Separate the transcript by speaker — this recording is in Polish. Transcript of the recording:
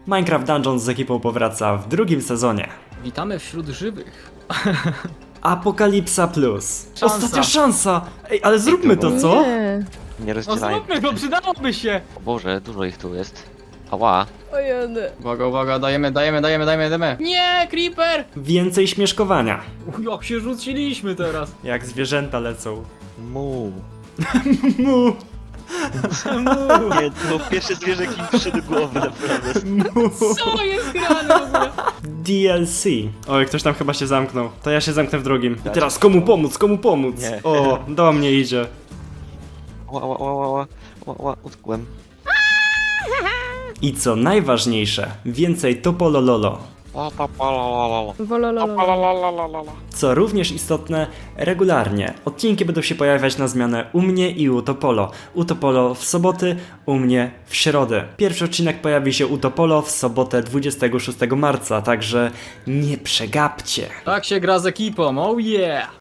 Speaker 1: Minecraft Dungeons z ekipą powraca w drugim sezonie.
Speaker 2: Witamy wśród żywych.
Speaker 1: Apokalipsa Plus.
Speaker 2: Szansa.
Speaker 1: Ostatnia szansa! Ej, ale zróbmy to, co?
Speaker 3: Nie.
Speaker 4: Nie
Speaker 2: No
Speaker 4: rozdzielają.
Speaker 2: zróbmy, bo przydałoby się!
Speaker 4: O Boże, dużo ich tu jest. Ała.
Speaker 3: O jedy.
Speaker 2: Uwaga, dajemy. Nie, creeper!
Speaker 1: Więcej śmieszkowania.
Speaker 2: Jak się rzuciliśmy teraz.
Speaker 1: Jak zwierzęta lecą.
Speaker 4: Mu.
Speaker 1: Mu,
Speaker 4: Nie, to pierwsze zwierzę, jakie mi przyszedł do głowy, naprawdę.
Speaker 1: mu.
Speaker 2: Co jest grane w ogóle?
Speaker 1: DLC. Oj, ktoś tam chyba się zamknął. To ja się zamknę w drugim. I teraz komu pomóc, komu pomóc?
Speaker 4: Nie.
Speaker 1: O, do mnie idzie.
Speaker 4: Ła, utkłem.
Speaker 1: I co najważniejsze, więcej Topolololo.
Speaker 3: Wolololo.
Speaker 1: Co również istotne, regularnie. Odcinki będą się pojawiać na zmianę u mnie i u Topolo. U Topolo w soboty, u mnie w środę. Pierwszy odcinek pojawi się u Topolo w sobotę 26 marca, także nie przegapcie.
Speaker 2: Tak się gra z ekipą, oh yeah!